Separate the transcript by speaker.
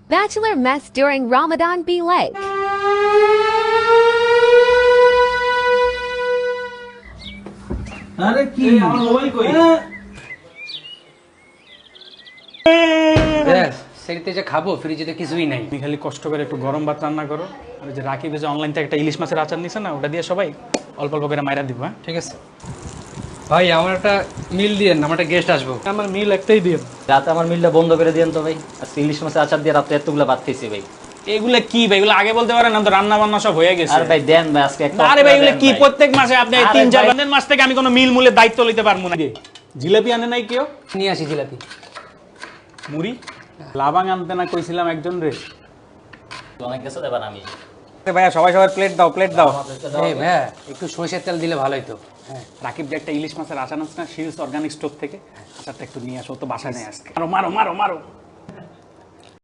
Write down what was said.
Speaker 1: Bachelor mess during Ramadan be like.
Speaker 2: আরে কি
Speaker 3: আমার মোবাইল কই? সেটিতে যে খাবো ফ্রিজে তো কিছুই নাই।
Speaker 4: তুমি খালি কষ্ট করে একটু গরম ভাত রান্না করো, আর ওই যে রাকিব যে অনলাইন থেকে একটা ইলিশ মাছের আচার নিছে না, ওটা দিয়ে সবাই অল্প অল্প করে মাইরা দিব। হ্যাঁ
Speaker 3: ঠিক আছে ভাই, আমার একটা মিল দিয়েন, আমার একটা গেস্ট আসবো।
Speaker 4: আমার মিল একটাই দিও।
Speaker 5: রাতে আমার মিলটা বন্ধ করে দিয়েন তো ভাই। আজকে ইলিশ মাছের আচার দিয়ে রাতে এতগুলো ভাত খেয়েছি ভাই।
Speaker 4: এগুলা কি ভাই? এগুলো আগে বলতে পারেন না? তো রান্না বান্না সব হয়ে গেছে।
Speaker 5: আর ভাই দেন ভাই আজকে একটা।
Speaker 4: আরে ভাই এগুলো কি প্রত্যেক মাসে আপনি
Speaker 5: আরে
Speaker 4: 3-4
Speaker 5: ভাই।
Speaker 4: দিনের মাস থেকে আমি কোনো মিল মূলের দায়িত্ব লইতে পারবো না। জিলাপি আনে নাই কেউ?
Speaker 3: নিয়ে আসি জিলাপি।
Speaker 4: মুড়ি লাবাং আনতে না কইছিলাম একজন রে।
Speaker 5: অনেক কিছু দেবেন আমি।
Speaker 4: ভাইয়া সবাই সবার প্লেট দাও, প্লেট দাও।
Speaker 3: এই ভাইয়া একটু সরিষার তেল দিলে ভালো হতো।
Speaker 4: হ্যাঁ, রাকিব যে একটা ইলিশ মাছের আচার আছে না, শিলস অর্গানিক স্টোর থেকে, আচারটা একটু নিয়ে আসো, ও তো বাসায় নেই আজকে। মারো মারো মারো মারো।